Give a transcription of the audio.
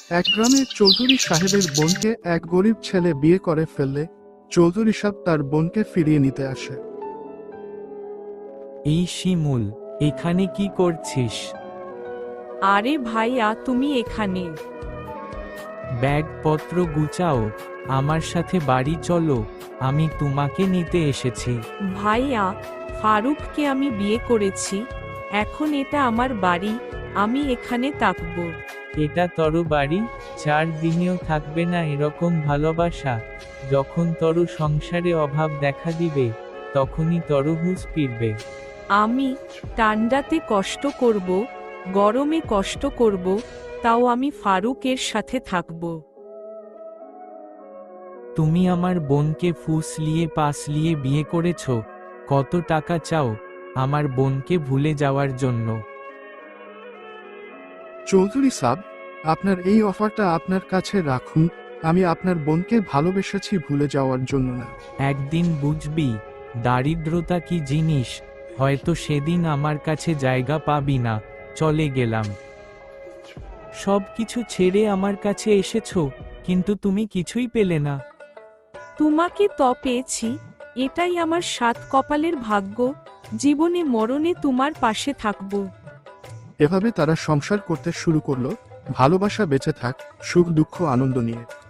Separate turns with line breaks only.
এক গ্রামে চৌধুরী সাহেবের বোনকে এক গরিব ছেলে বিয়ে করে ফেললে চৌধুরী সাহেব তার বোনকে ফিরিয়ে নিতে আসে।
এই শিমুল, এখানে কি করছিস?
আরে ভাইয়া, তুমি এখানে?
ব্যাগপত্র গুছাও, আমার সাথে বাড়ি চলো, আমি তোমাকে নিতে এসেছি।
ভাইয়া, ফারুককে আমি বিয়ে করেছি, এখন এটা আমার বাড়ি, আমি এখানে থাকবো।
এটা তরু বাড়ি, 4 দিনেও থাকবে না এরকম ভালোবাসা। যখন তরু সংসারে অভাব দেখা দিবে, তখনই তরু হুঁশ ফিরবে।
আমি ঠান্ডাতে কষ্ট করব, গরমে কষ্ট করব, তাও আমি ফারুকের সাথে থাকব।
তুমি আমার বোনকে ফুসলিয়ে পাসলিয়ে বিয়ে করেছ, কত টাকা চাও আমার বোনকে ভুলে যাওয়ার জন্য?
চৌধুরী সাহেব, আপনার এই অফারটা আপনার কাছে রাখুন। আমি আপনার বোনকে ভালোবেসেছি ভুলে যাওয়ার জন্য না।
একদিন বুঝবি দারিদ্রতা কি জিনিস, হয়তো সেদিন আমার কাছে জায়গা পাবি না। চলে গেলাম। সব কিছু ছেড়ে আমার কাছে এসেছো, কিন্তু তুমি কিছুই পেলে না।
তোমাকে তো পেয়েছি, এটাই আমার 7 কপালের ভাগ্য, জীবনে মরণে তোমার পাশে থাকব।
এভাবে তারা সংসার করতে শুরু করলো, ভালোবাসা বেঁচে থাক, সুখ দুঃখ আনন্দ নিয়ে।